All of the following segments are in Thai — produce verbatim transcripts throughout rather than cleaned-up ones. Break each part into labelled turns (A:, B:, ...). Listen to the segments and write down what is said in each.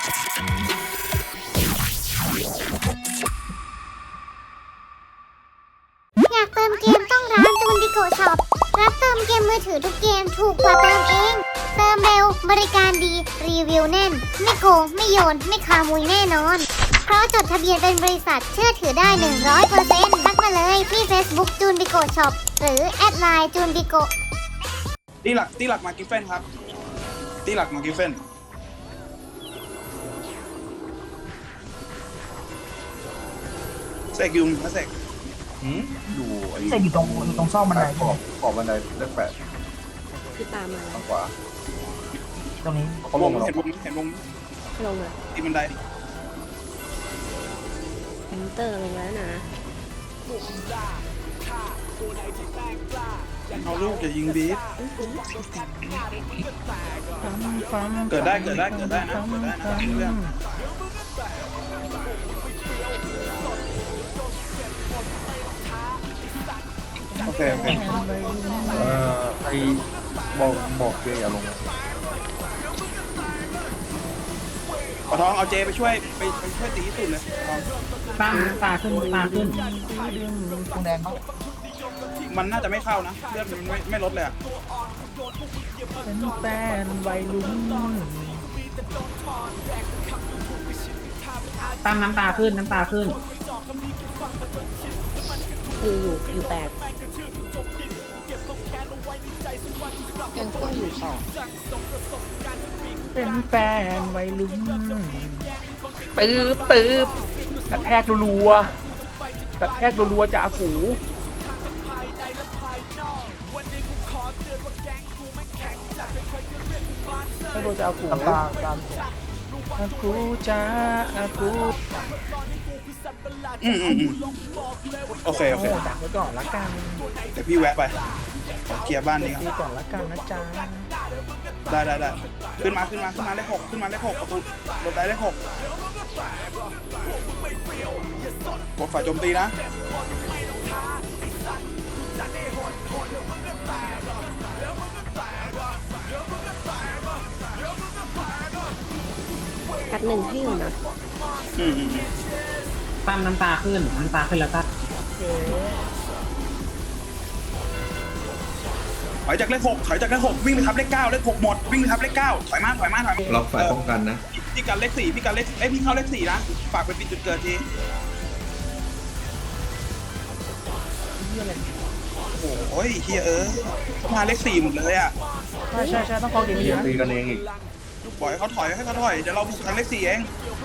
A: อยากเติมเกมต้องร้านจูนดิโกช็อปรับเติมเกมมือถือทุกเกมถูกกว่าเติมเองเติมเร็วบริการดีรีวิวแน่นไม่โกงไม่โยนไม่ขโมยแน่นอนเพราะจดทะเบียนเป็นบริษัทเชื่อถือได้ หนึ่งร้อยเปอร์เซ็นต์ ทักมาเลยที่ Facebook จูนดิโกช็อปหรือแอดไลน์จูนดิโก
B: ตีหลักตีหลักมากิฟเฟนครับตีหลักมากิฟเฟนเสกยุมนะเสก
C: อยู่ไอ้
D: เสกอยู่ตรงตรงซอกบันได
C: ขอบขอบบันไดเลขแปด
E: ที่ตามมา
C: ทางขวา
D: ตรงนี้
C: เขาล
B: ว
C: ง
B: ง
C: มาแล้ว
B: เห็นวงเห็นวง
E: ลงเลย
B: ตีบันได
E: มินเตอร์ลงแล้วนะ
B: เอาลูกจะยิงบีฟเกิดได้เกิดได้เกิดได้นะเกิดได้นะเรื่องโอเคโอเค
C: เอ่อไอ้บอกบอกเจอย่าลง
B: ปะทองเอาเจไปช่วยไปไปช่วยตีสุดเลยปะทอง
D: ตาตาขึ้นตาขึ้นตรงแดงเขา
B: มันน่าจะไม่เข้านะเลือดมันไม่ไม่ลดเลยอะ
D: เป็นแฟนวัยรุ่นตามน้ำตาขึ้นน้ำตาขึ้น
E: อยู่อยู่อยู่แปดยังก็อยู่สอง
D: เป็นแฟนวัยรุ่นปื๊บปื๊บกระแทกรัวๆกระแทกรัวๆจากหูไม่โดนจะเอากูตามตามอากูจ้าอากู
B: อืมอืมอืมโอเคโอเค
D: โอ้ดักไว้ก่อนละกัน
B: เดี๋ยวพี่แวะไปขอเคลียร์บ้านนี้ก่อน
D: ดีก่อนละกันนะจ๊ะ
B: ได้ได้ได้ขึ้นมาขึ้นมาขึ้นมาเลขหกขึ้นมาเลขหกประตูรถได้เลขหกกดฝ่ายโจมตีนะ
E: กัดหนึ่งให้อยู่นะ
B: อืมอืมอืม
D: ตามน้ำตาขึ้นน้ำตาขึ้นแล้วก็
B: ถอยจากเลขหกถอยจากเลขหกวิ่งไปทับเลขเก้าเลขหกหมดวิ่งไปทับเลขเก้าถอยมาถอยมาถอยมา
C: ล็อกฝ่ายป้องกันนะ
B: พี่กันเลขสี่พี่กันเลขเอ้ยพี่เข้าเลขสี่นะฝากไปปิดจุดเกิดทีโอ้ยเฮียเออมาเลขสี่หมดเลยอ่ะ
D: ใช่ใช่ใช่ต้องคอเกมนี้นะ
C: ตีกันเองอีก
B: ปล่อยเขาถอยให้เขาถอยเดี๋ยวเราบุกทางเลขสี่เอง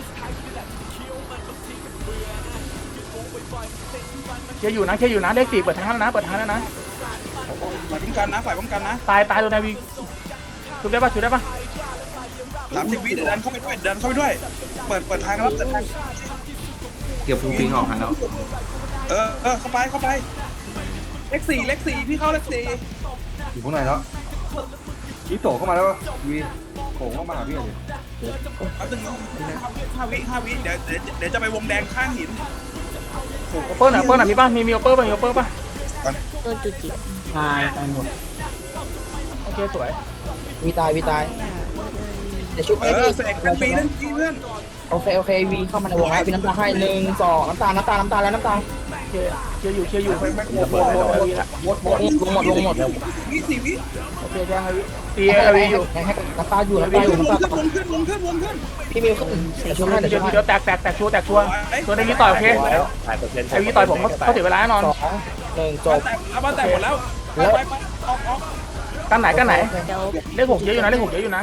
D: เชียร์อยู่นะเชียร์อยู่นะเลขสี่เปิดทางแล้วนะเปิดทางแล้วนะ
B: ฝ่ายป้องกันนะฝ่ายป้องกันนะ
D: ตายตายตัวนายวีชุบได้ปะชุบได้ปะ
B: สามสิบวิเดี๋ยวดันเข้าไปด้วยเดินเข้าไปด้วยเปิดเปิดทางรับเปิดทาง
C: เกี่ยวฟูปิงออกหันแล้ว
B: เออเออเข้าไปเข้าไปเลขสี่เลขสี่พี่เข้าเลขสี่
C: อยู่ข้างในแล้วพี่โตเข้ามาแล้ววีโผล่เข้ามาหาพี่เลย
B: เอาตึงห้าวิห้าวิเดี๋ยวเดี๋ยวเดี๋ยวจะไปวงแดงข้างหิน
D: โอเปอร์หน่ะโอเปอร์หน่ะมีป่ะมีมีโอเปอร์ป่ะมีโอเปอร์ป่ะ
E: โดนจุดจิต
D: ตายตายหมดโอเคสวย
F: วีตายวีตายเดี๋ยวชุบ
B: เอ
F: เอ้
B: อเสกเป็นปีนั่นปีเพื่อน
F: โอเคโอเควีเข้ามาในวงแล้ววีน้ำตาให้หนึ่งสองน้ำตาลน้ำตาลน้ำตาลแล้วน้ำตาล
D: เชียร์เชียร์อยู่เชียร์อยู่
B: ไปไป
D: โอ้โหโอ้โหวีละ
F: หมดหมดลงหมดลงหมด
B: วิสี่วิ
D: โอเคใช่ครับตีเอวีอยู่
F: ให้ให้น้ำตาอยู่น้ำตาอยู่
B: วง
F: น้ำตา
B: ขึ้นวงขึ้นวงขึ้นวงขึ้น
F: พี่มิวขึ้นเดี๋ยวชุบให้
D: เดี๋
F: เดี๋
D: ย
F: ยว วชุบให้
D: เดี๋ยวแตกแตกแตกชัวร์แตกชัวร์ตัวในนี้ต่อยโอเคไอวีต่อยผมเขาเสียเวลาแน่นอน
F: สองหนึ่งจ
B: บ้าน
F: บ
B: แตกเอาบ้านแตกหมดแล้วไปไปไปออกออก
D: กันไหนกันไหน
E: เดี๋ยว
D: เลขหกเยอะอยู่นะเลขหกเยอะอยู่นะ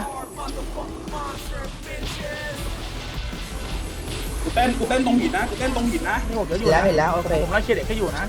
B: กูเต้นกูเต้นตรงหินนะกูเต้นตรงหินนะ
D: เลขหกเยอะอยู่
F: แล้ว
D: นะ
F: เห็นแล้วโอเค
D: ผมไล่เชียร์เด็กให้อยู่นะ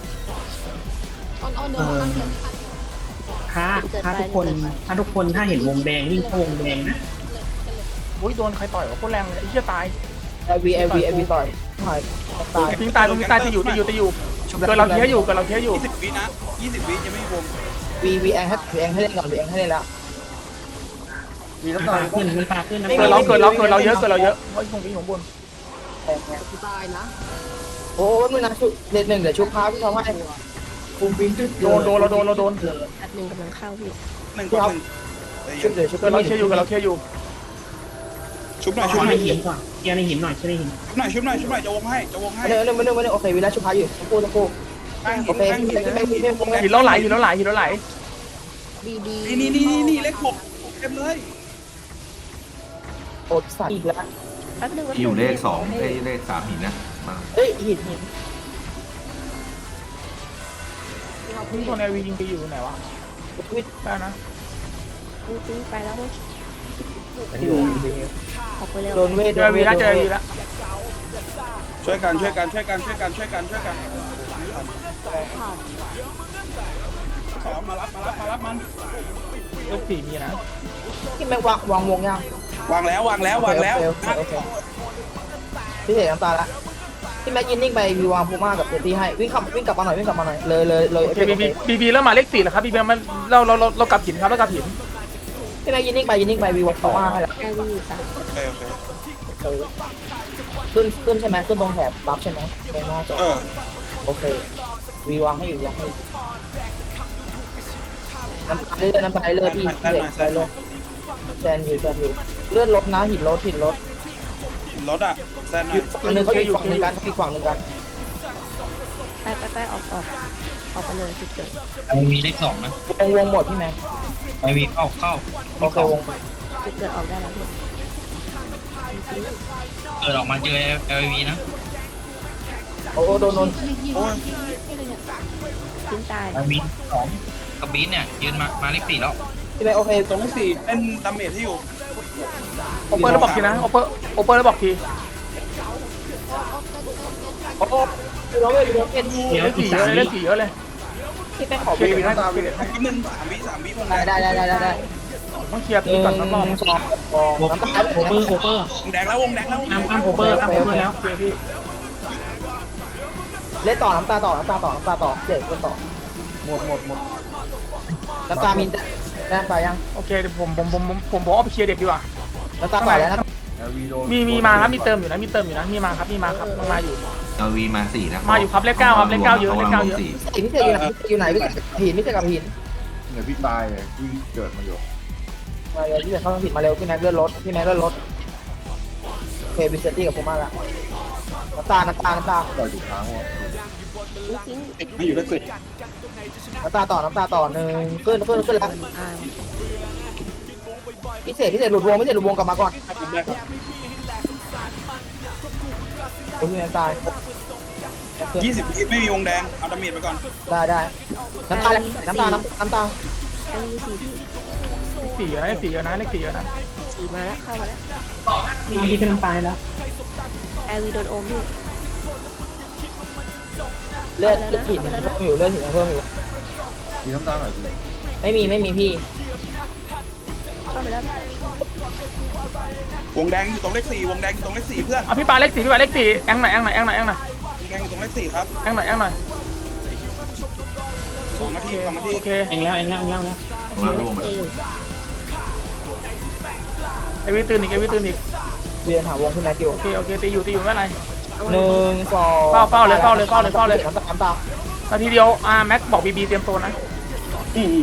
D: ถ้าถ้าทุกคนถ้าทุกคนถ้าเห็นวงแดงวิ่งเข้าวงแดงนะโอ้ยโดนใครต่อยวะโคตรแรงเลยไอ้เหี้ยตาย
F: ไอวีไอวีไอวีต่อยต่อยตาย
D: ทิ้งตายตรงนี้ตายจะอยู่จะอยู่จะอยู่เกิดเราเทียอยู่เกิดเราเทียอยู่
B: ยี่สิบวินะยี่สิบวิจะไม่วง
F: วีวีแองให้วีแองให้เล่นก่อนวีแองให้เล่นแล้ว
D: มีน้ำตาขึ้นน้ำตาขึ้นเกิดเราเกิดเราเกิดเราเยอะเกิดเราเยอะไอ้ตรงนี้ของบน
F: ตายนะโอ้ยมึงนะชุบเด็ดหนึ่งเดี๋ยวชุบพาพี่เขาให้คุมปิงจุด
D: โดนโดนเราโดนเราโดน
E: กัดหนึ่งกำลังเข้าพี่
B: หนึ่งต่อหนึ่ง
F: ชุบเดี๋ยวชุบ
D: เกิดเราเทียอยู่เกิดเราเทียอยู่
B: ชชุบหน่อย
D: ข
B: ชุบ
D: อ
B: ห
D: ใน
B: น่อย
D: หินก่อนเคลียร์ในหินหน่อยเคลียร์ในหิน
B: ชุบหน่อยชุบหน่อยชุบหน่อยจะวงให้จะวงให้
F: เดี๋ยวเดี๋ยวเดี๋ยวเดี๋ยวโอเควิลาชุบพาอยู่ทั้งคู่ทั้งคู่
B: ข้างหิ
F: โอน เค
B: ข้างหิน
F: ไม่ไม่ไม่ไม่
G: หินเราไหลหินเราไหลหินเราไหล
E: บีบี
B: นี่นี่นี่นี่เลขหกเต็มเลย
F: โอดสัตว์อีกแล้ว
E: แป๊บนึง
C: อยู่เลขสองไอ้เลขสามหินนะมา
F: เฮ้ยหินหิน
G: พี่คนไอวียิงไปอยู่ไหนวะ
F: ทวิต
G: ได้นะ
E: ปิ้งไปแล้วมั้งออกไปเร็ว
F: โดนเวท
G: เจอวีแล้วเจอวีแล้ว
B: ช่วยกันช่วยกันช่วยกันช่วยกันช่วยกันช่วยกันสองมารับมารับมารับมัน
G: เลขสี่มีนะ
F: ที่แม่งวางวางวงยัง
B: วางแล้ววางแล้ววางแล้ว
F: พี่เห็นน้ำตาละที่แม็กยินนิ่งไปวีวางพูม่ากับเจตี้ให้วิ่งขับวิ่งกลับมาหน่อยวิ่งกลับมาหน่อยเลยเลยเลย
G: โอเคบีบีบีบีเริ่มมาเลขสี่แล้วครับบีบีมันเราเราเราเรากลับหินครับเรากลับหิน
F: พี่แม็กยินนิ่งไปยินนิ่งไปวีวางพูม่าให้ละ
E: แอร์วีอยู่สาม
B: โอเคโอเค
F: ขึ้นขึ้นใช่ไหมขึ้นตรงแถบบัฟใช่ไหมไม่น่าจะ
B: เออ
F: โอเควีวางให้อยู่วางให้น้ำตาเลือดน้ำตาเลือดพี่เด็กไปเลยแซนอยู่แซนอยู่เลือดลดนะหินลดหินลด
B: รถอ่ะแซนหน่
F: อ
B: อยู่ ย
F: ฝั่งนึงเขาอีกฝั่งนึงกันอีกฝั่งนึงกัน
E: ไปไปไปออกออกออกไปเลยจุดเกิด
H: ไอวีเลขสองนะ
F: วงวงหมดพี่แม็ก
H: ไอวีเข้าเข้า
F: โอเควง
E: จุดเกิดออกได้แล้วพี่
H: เกิดออกมาเจอเอลวีนะ
F: โอ้โดนโดน
B: โอ้ย
E: ทิ้งตาย
H: ไอวีสองกับบีนเนี่ยยืนมามาเลขสี่แล้ว
F: พี่แม็กโอเค
B: ตรงที่สี่เป็นดาเมจที่อยู่
G: โอเปอร์แล้วบอกทีนะโอเปอร์โอเปอร์แล้วบอกที
F: โอ้โหเราไม่รู้เป็น
G: เลขสี่เยอะเลยเลขสี่เยอะเลย
F: พี่แม็กขอ
G: เค
F: ไป
G: ลียร์วีนะ
B: นิดนึงสามวิสามวิวง
F: ได้ได้ได้ได้ได้
G: ต้องเคลียร์
F: ห
G: ตี
F: นึ่ง
G: ก่อนสักรอบ
F: สองน้ำตา
D: โอเปอร์โอเปอร์
B: วงแดงแล้ววงแดงแล้ว
D: อ้ามอ้ามโอเปอร์อ้ามโอเปอร์แล้ว
G: เคลียร์พี่
F: เล่นต่อน้ำตาต่อน้ำตาต่อน้ำตาต่อเด็กก็ต่อ
C: หมดหมดหมด
F: น้ำตามีน้ำตายัง
G: โอเคเดี๋ยวผมผมผมผมผมผมเอาไปเคลียร์เด็กดีกว่า
F: น้ำตาต่อแล้วนะ
C: เอลวีโดน
G: มีมีมาครับมีเติมอยู่นะมีเติมอยู่นะมีมาครับมีมาครับมาอยู่
C: เอลวีมาสี่นะ
G: มาอยู่ครับเลขเก้าครับเลขเก้าเยอะเลขเก้าเยอะ
F: หินพี่เจอยู่ไหนพี่เจอยู่ไหนพี่หินพี่เจกับหิน
C: เนี่ยพี่ตายเลยพี่เกิดมาอยู่
F: มาเร็วพี่เจเข้าหินมาเร็วพี่แม็กเลื่อนรถพี่แม็กเลื่อนรถโอเคบิสเซตี้กับผมมาละน้ำตาน้ำตาน้ำตา
C: ต่อยถูกทางวะ
E: ทิ้ง
B: ไม่อยู่ได้สิ
F: น้ำตาต่อน้ำตาต่อหนึ่งขึ้นขึ้นขึ้นแล้ว
E: อ่า
F: พิเศษพิเศษหลุดวงพิเศษหลุดวงกลับมาก่อน
B: ผมได้ครับ
F: คุณพี่แม็กตาย
B: ยี่สิบวิไม่มีวงแดงเอาดาเมจไปก่อน
F: ได้ได้น้ำตาน้ำตาน้ำน้ำตา
E: แอร์วีสี่พี่
G: เลขสี่เยอะนะเลขสี่เยอะนะเลขสี่เยอะนะ
E: สี่มาแล้วเข้ามาแล้ว
D: มีที่เป็นน้ำตายแล้ว
E: แอร์วีโดนโอมพี่
F: เลือดเลือดหินเพิ่มอยู่เลือดหินเพิ่มอยู่
C: มีน้ำตาหน่อยสิ
F: ไม่มีไม่มีพี่
E: เข้ามาแล้ว
B: วงแดงอยู่ตรงเลขสี่วงแดงอยู่ตรงเลขสี่เพื่อน
G: เอาพี่ปาเลขสี่พี่ปาเลขสี่แองหน่อยแองหน่อยแองหน่อยแองหน่อยว
B: งแดงอยู่ตรงเลขสี่ครับ
G: แองหน่อยแองหน่อย
B: สองนาทีสองนาที
G: โอเค
D: เองแล้วเองแล้วเองแล้วนะ
C: ของเราร่วงไป
E: เอ
C: แล้ว
E: อยู่
G: ไอวิตื่นอีกไอวิตื่นอีก
F: เรียนหาวงพี่แม็กอยู่
G: โอเคโอเคตีอยู่ตีอยู่ไม่เป็นไร
F: หนึ่งสอง
G: เฝ้าเฝ้าเลยเฝ้าเลยเฝ้าเลยเฝ้าเลย
F: น้ำตาน้ำตา
G: นาทีเดียวอ่าแม็กบอกบีบีเตรียมตัวนะ
B: อืม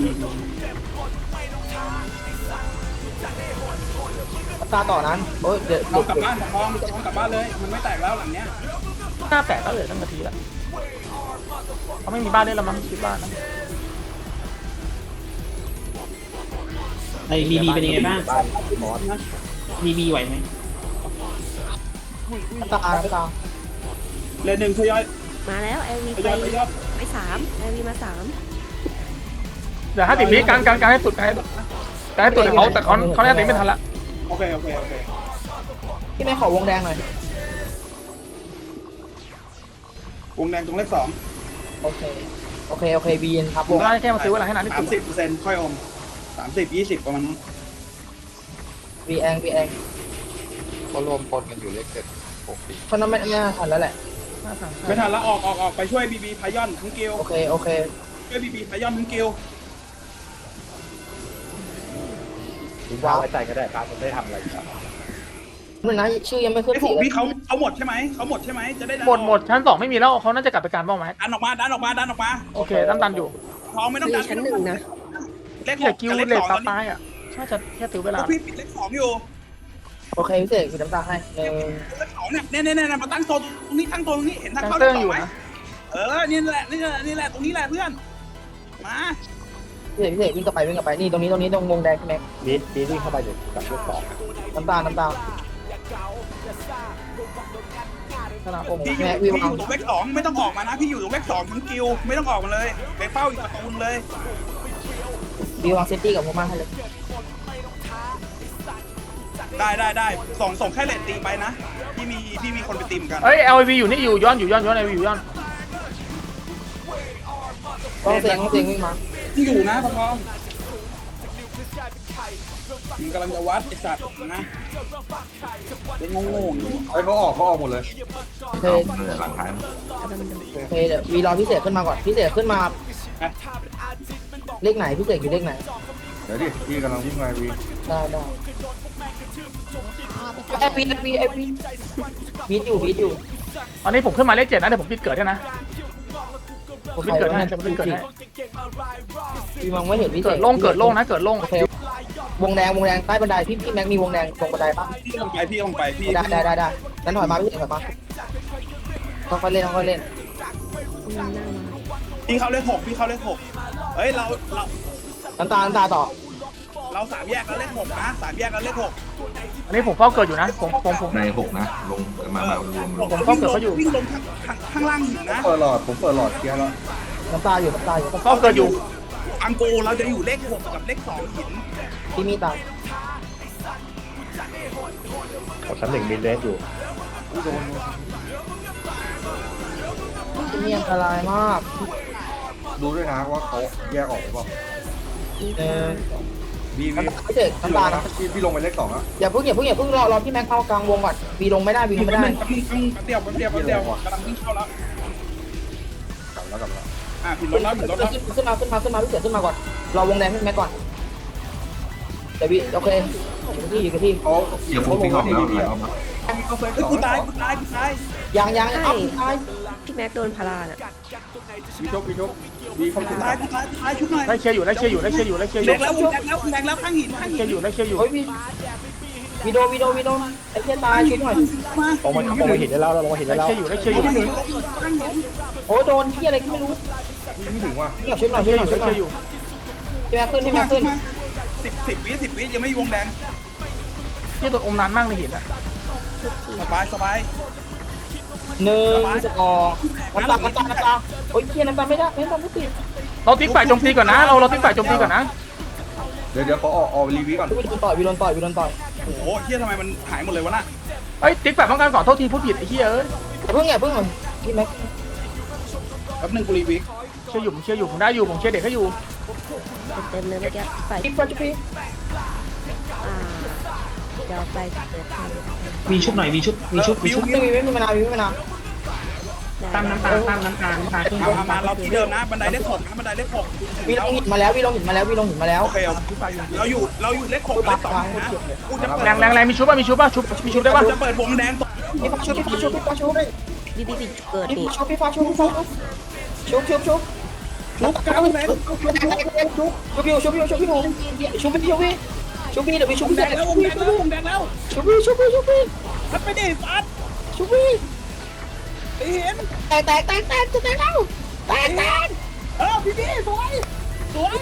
F: น้ำตาต่อนั้นโอ้ยเดี๋ยว
B: เรากลับบ้านทองทองกลับบ้านเลยมันไม่แตกแล้วหลังเนี้ย
G: หน้าแตกก็เหลือตั้งนาทีละเขาไม่มีบ้านเล่นแล้วมั้งคิดว่านะ
D: ไอ้บีบีเป็นยังไงบ้างบีบีไหวไหม
F: น้ำตาน้ำตา
B: เลนหนึ่งทยอย
E: มาแล้วแอร์วี
B: ท
E: ไป
B: ยอยทยอย
E: ไปสามแอร์วีมาสาม
G: เดี๋ยวห้าสิบวิการการการให้สุดการให้สุดการให้สุดเขาแต่เขาเขาแน่ตีไม่ทันละ
B: โอเคโอเคโอเค
F: พี่แม็กขอวงแดงหน่อยว
B: งแดงตรงเลขสอง
F: โอเคโอเคโอเคบีนครับว
G: ผม
F: ง
G: ก็แค่มาซื้อเวลาให้นานที่
B: สา
G: สุ
B: ม
G: ด
B: สิบเปอร์เซ็นต์ค่อยอมสามสิบยี่สิบประมาณนั้น
F: บีแองบีแอง
C: ก็รวมพลกันอยู่เลขเจ็ดหกสี่
F: เพราะนั้นไม่ไม่น่าทันแล้วแหละ
B: ไม่ทันแล้วออกออกออกไปช่วยบีบีพายอนทั้งกิล
F: โอเคโอเค
B: ช่วยบีบีพายอนทั้งกิล
F: วางไว้ใจก็ได้ครับผมได้ทำอะไรครับมันนะชื่อยังไม่ขึ้น
B: ไอ้
F: สี
B: ผม
F: เลย
B: พี่เขาเขาหมดใช่ไหมเขาหมดใช่ไหมจะได้
G: หมดหมดชั้นสองไม่มีแล้วเขาน่าจะกลับไปการบ้างไหม
B: ดันออกมาดันออกมาดันออกมา
G: โอเคตั้มตันอยู่
B: ทองไม่ต้อง
E: มี
B: ดัน
E: ชั้นหนึ่งนะ
B: เลขห
G: แต่
B: ก
G: คิว
B: กับเลข
G: เล
B: ส
G: ท
B: อง
G: ตา
B: ตอนนี้
G: ตายอ่ะน่าจะแค่ตื้อเวลา
B: พี่ปิดเลขสองอยู่
F: โอเคพิเศษคือน้ำตาให้หนึ่ง
B: เลขสองเนี่ยเนี่ยเนี่ยเนี่ยมาตั้งโซนตรงนี้ตั้งโซนตรงนี้เห็นทาง
G: ตั้ง
B: เข้า
G: เติ้ง
B: เลขส
G: อ
B: อง
G: ยู่
B: ไหม
G: นะ
B: เออนี่แหละนี่แหละนี่แหละตรงนี้แหละเพื่อนมา
F: พิเศษพิเศษวิ่งกลับไปวิ่งกลับไปนี่ตรงนี้ตรงนี้ตรงวงแดงใช่ไหม
D: บีดบีดวิ่งเข้าไปเดี๋ยวกับเลขสอง
F: น้ำตาลน้ำตาล
G: สนามอม
B: พี่อยู่พี่อยู่ตรงเลขสองไม่ต้องออกมานะพี่อยู่ตรงเลขสองทั้งกิวไม่ต้องออกมาเลยไปเฝ้าอีกประตูเลย
F: บีวางเซฟตี้กับผมมาให้เลย
B: ได้ได้ได้ส่งส่งแค่เลตตีไปนะพี่มีพี่มีคนไปตีมกัน
G: เอ้ย แอล วี อยู่นี่อยู่ย้อนอยู่ย้อนย้อน แอล วี อยู่ย้อน
F: ต้องเสียงต้องเสียงวิ่งมา
B: อยู่นะพะทองมึงกำลังจะวัดไอ้สัตว์นะเป็นงงๆอยู่
C: ไอ้เขาออกเขาออกหมดเลย
F: โอเคโอเคเดี๋ยววีรอพิเศษขึ้นมาก่อนพิเศษขึ้นมาเลขไหนพิเศษอยู่เลขไหน
C: เดี๋ยวดิพี่กำลังวิ่งมาวี
F: ได้ได้ไอพีไอพีไอพีบีทอยู่บีทอยู่
G: ตอนนี้ผมขึ้นมาเลขเจ็ดนะเดี๋ยวผมปิดเกิดให้นะผมปิดเกิดให้ผมปิดเกิดให้
F: วีมองไม่เห็นพิเศ
G: เกิ
F: ษ
G: ดโล่งเกิดโล่งนะเกิดโล่ง
F: โอเควงแดงวงแดงใต้บันไดพี่พี่แม็กมีวงแดงตรงบันไดปะ
B: พี่ลงไปพี่ลงไปพี่
F: ได้ได้ได้ได้งั้นถอยมาพิเศษถอยมาค่อยๆเล่นค่อยๆเล่น
B: พี่เข้าเลขหกพี่เข้าเลขหกเฮ้ยเราเรา
F: น้ำตาน้ำตาต่อ
B: เราสามแยกแล้วเลขหกนะสามแยกแล้วเลขหก
G: อันนี้ผมเฝ้าเกิดอยู่นะผมผมผม
I: ในหกนะ ลงมามารวมลง
G: ผมเฝ้าเกิดเขาอยู่
B: วิ่งลงข้างข้างล่างหินนะ
C: เปิดหลอดผมเปิดหลอดเคลียร์แล้ว
F: น้ำตาอยู่น้ำตาอยู่
G: ผมเฝ้าเกิดอยู่
B: อังโกเราจะอยู่เลขหกกับเลขสองหิน
F: พี่มีตา
D: กับชั้นหนึ่งมีเลสอยู่
F: ที่นี่อันตรายมาก
C: ดูด้วยนะว่าเขาแยกออกหรือเปล่า
F: เออ
C: วีวี
F: น้ำตาพิเศษ
C: พี่
F: น้ำ
C: ล
F: ตาง
C: นะพี่พี่ลงไปเลขสองแล้ว
F: อย่าเพิ่งอย่าเพิ่งอย่าเพิ่งรอรอพี่แม็กเข้ากลางวงก่อนวีลงไม่ได้วีลงไม่ได้
B: แป๊บนึงแป๊บนึงแป๊บเดียวแป๊บเดียวแป๊บเดียวกำลังวิ่งเข้าแล้ว
C: กลับแล้วกลับแล้ว
B: อ่ะผิดรถแล้วผิดรถแล้ว
F: ขึ้นมาขึ้นมาขึ้นมาพี่เสือขึ้นมาก่อนรอวงแดงพี่แม็กก่อนเดี๋ยววีโอเคอยู่ที่อยู่ที่
C: เขา
I: เดี๋ยวผมวิ่งออกแล้ว
C: ดี
I: หลาย
C: ๆ
I: รอบแล้ว
C: เขาเฟก
B: เฮ้ย
C: สอง
B: กูตายกูตายกูตาย
F: ยังยังเอ้าตาย
E: พี่แม็กโดนพาราน่ะ
C: วีชกวีชกวีเขา
B: กู
C: สุด
B: ตายกูตายกูตายชุดหน่อย
G: ได้เคลียร์อยู่ได้เคลียร์อยู่ได้เคลียร์อยู่ได้เคลียร์อ
B: แด
G: ยู่
B: งแล้วแดงแล้วแดงแล้วข้างหินข้าง
G: เค
B: หิ
G: ลีย
B: น
G: ร์อยู่ได้เคลียร์อยู่
F: เฮ้ยวีวีโดวีโดวีโดไอ้เพี้ยตายชุดหน่อย
B: มา
D: ลงมาลงมาหินได้แล้วเราลงมาหิน
G: ได้
D: ได้แล้ว
G: เคลียร์อยู่ได้เคลียร์อยู่
B: ข้าง
G: ได้
B: หินข้างหิน
F: โอ้โดนที่อะไรก็ไม่รู้
C: ไม่ถึงว่ะ
F: นี่ชุดหน่อย
G: เค
F: ชุ
G: ลี
F: ด
G: ยร์
F: ห
G: อ
F: น่อย
G: ยู่
F: ชุ
G: ได้
F: ดห
G: เค
F: น่
G: ลี
F: อย
G: ร์อยู่
F: พี่แม็กขึ้นพี่แม็กขึ้น
B: สิบสิบวิสิบวิยังไม่วงแดง
G: ที่ตัวอมนานมากในหินอ่ะ
B: สบายสบาย
F: หนึ่งสองน้ำตาน้ำตาน้ำตาโอ้ยเพี้ยน้ำตาไม่ได้น้ำตาไม่ติด
G: เราติ๊กฝ่ายโจมตีก่อนนะเราเราติ๊กฝ่ายโจมตีก่อนนะ
C: เดี๋ยวเดี๋ยวเขาออกออกรีวิวก่อน
F: วีโดนต่อยวีโดนต่อยวีโดนต่อย
B: โอ้โหเฮียทำไมมันหายหมดเลยวะน่ะ
G: เอ้ยติ๊กฝ่ายป้องกันก่อนโทษทีพูดผิดไอ้เหี้ยเอ้ย
F: อย่าเพิ่งอย่าเพิ่งพี่แม็ก
B: แป๊บนึงกูรีวิว
G: เชื่ออยู่ผมเชื่ออยู่ผมได้อยู่ผมเชื่อเด็กให้อยู่
E: เต็มเลยเมื่อกี้ฝ่าย
F: พี่ฟันจุ๊บพี่
E: อ่าเดี๋ยวไปเปิดให้
D: มีชุดหน่อยมีชุดมีชุดมี
B: วิว
D: ชุด
B: วิ
F: ไม่
B: ว
F: มีไม่มีมะนาวไม่มีมะนาว
D: ตามน้ำตาลตามน้ำตาลน้ำตาลขึ้น
B: เอามามาเราที่เดิมนะบันไดเลขหกนะบันไดเลขหก
F: วีลงหินมาแล้ววีลงหินมาแล้ววีลงหินมาแล้ว
B: โอเคเราอยู่เราอยู่เลขหกเลขสองนะกูจะ
G: แรงแรงแรงมีชุบป่ะมีชุบป่ะชุบมีชุบได้ป่ะ
B: จะเปิดวงแดงต
F: พี่ฟ้าชุบพี่ฟ้าชุบพี่ฟ้าชุบ
E: บีบีบีเกิด
F: พี่
E: นี่
F: ฟ้าชุบพี่ฟ้าชุบชุบชุบชุบชุบ
B: ลุกกลางแดง
F: ชุบชุบพี่ชุบพี่ชุบพี่หนูชุบพี่ชุบพี่ชุบพี่เดี๋ยวพี่ชุบ
B: วงแด
F: พี่
B: งแล้ววงแดงแล้ววงแดงแล้ว
F: ชุบพี่ชุบพี่ชุบพี่
B: ทัดไปดิฟัด
F: ชุบพี่
B: เห็น
F: แตกแตกแตกแตกจะแตกแล้วแตกแตก
B: เออพี่พี่สวยสวย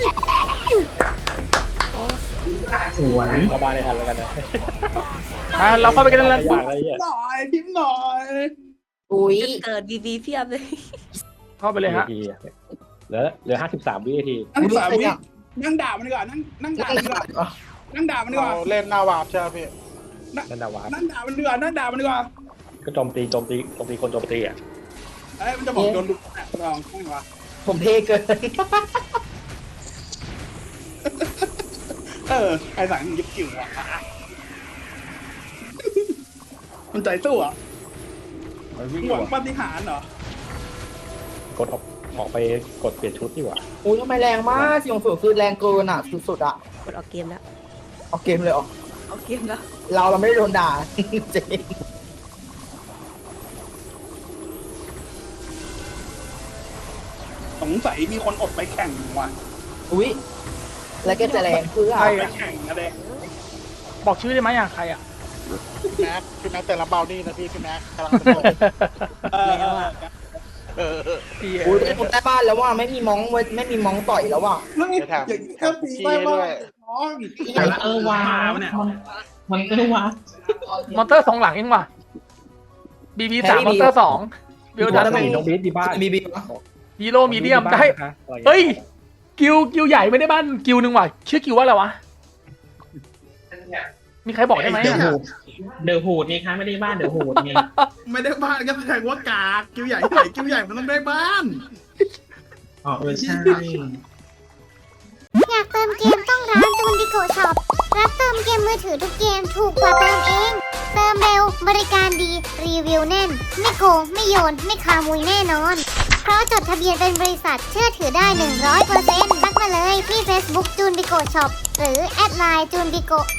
D: สวยระบายในทันแล้วกันนะ
G: อ่าเราเข้าไปกันแล้ว
D: อย่างไรเนี่ย
B: หน่อยพิมพ์หน่อย
F: อุ้ย
E: เกิดบีบีเพียบเลย
G: เข้าไปเลยฮะ
D: ทีเหลือเหลือห้าสิบสามวินาที
B: นั่งสามวินั่งด่ามันดีกว่านั่งนั่งด่ามันดีกว่านั่งด่ามันดีกว่าเล่นหน้าวาบใช่ไหมพี่
D: นั่นดาวา
B: นั่งด่ามันดีกว่านั่งด่ามันดีกว่า
D: ก็โจมตีโจมตีโจมตีคนโจมตีอ่ะ
B: เอ้ยมันจะบอกโดนลุกลองข้างวะ
F: ผมเทเกิน
B: เออไอ้สังยิบกิ่วอ่ะมันใจสู้อ่ะ
C: มันวิ่งอ
B: ห
C: ยู่
B: วัง
C: อะ
B: ปาฏิหาริย์เหรอก
D: ดออกออกไปกดเปลี่ยนชุดดีกว่า
F: อุ้ยทำไมแรงมากสี่องศาคือแรงเกินอ่ะสุดๆอ่ะ
E: กดออกเกมแล้ว
F: เอาเกมเลยออก
E: ออกเกมแล้ว
F: เราเราไม่ได้โดนด่าจริง
B: สงสัยมีคนอดไปแข่งว่ะ
F: อุ้ยแล้วก็จะแรงเพื่อ
B: ไปแข่งอะไร
G: บอกชื่อได้ไหมอ่ะใครอ่ะ
B: พี่แม็กพี่แม็กแต่ละเบานี่นะพี่พี่แม็กกำลังสนุกเออเออเออ
G: พี่
F: อุ้ยเป็นคนใต้บ้านแล้วว่าไม่มีมองไม่มีมองต่อยแล้วว่ะ
B: เดี๋ยวแถมแถมคุกกี้ให้ด้วย
D: เออว้ามันมันเออว้าม
G: อนเตอร์สองหลังเองว่ะบีบีสามมอนเตอร์สองวิวดันหนึ่ง
D: น้องบีสดีบ้าน
F: มีบี
G: ฮีโร่มีเดียมได้เฮ้ยกิวกิวใหญ่ไม่ได้บ้านกิวหนึ่งว่ะชื่อกิวว่าอะไรวะมีใครบอกได้ไหม
D: เดอะ
G: อะ
D: ฮูดเดอะฮูดนี่คะไม่ได้บ้านเดอะฮูดไง
B: ไม่ได้บ้านก็แสดงว่ากากกิ้วใหญ่ใหญ่กิ้วใหญ่มันต้องได้บ้าน
D: อ๋อเออใช่
A: อยากเติมเกมต้องร้านจูนดิโกช็อปรับเติมเกมมือถือทุกเกมถูกกว่าเติมเอง เติมเร็วบริการดีรีวิวแน่น ไม่โกงไม่โยนไม่คามุยแน่นอน เพราะจดทะเบียนเป็นบริษัทเชื่อถือได้ หนึ่งร้อยเปอร์เซ็นต์ ทักมาเลยที่ Facebook จูนดิโกช็อปหรือแอดไลน์จูนดิโก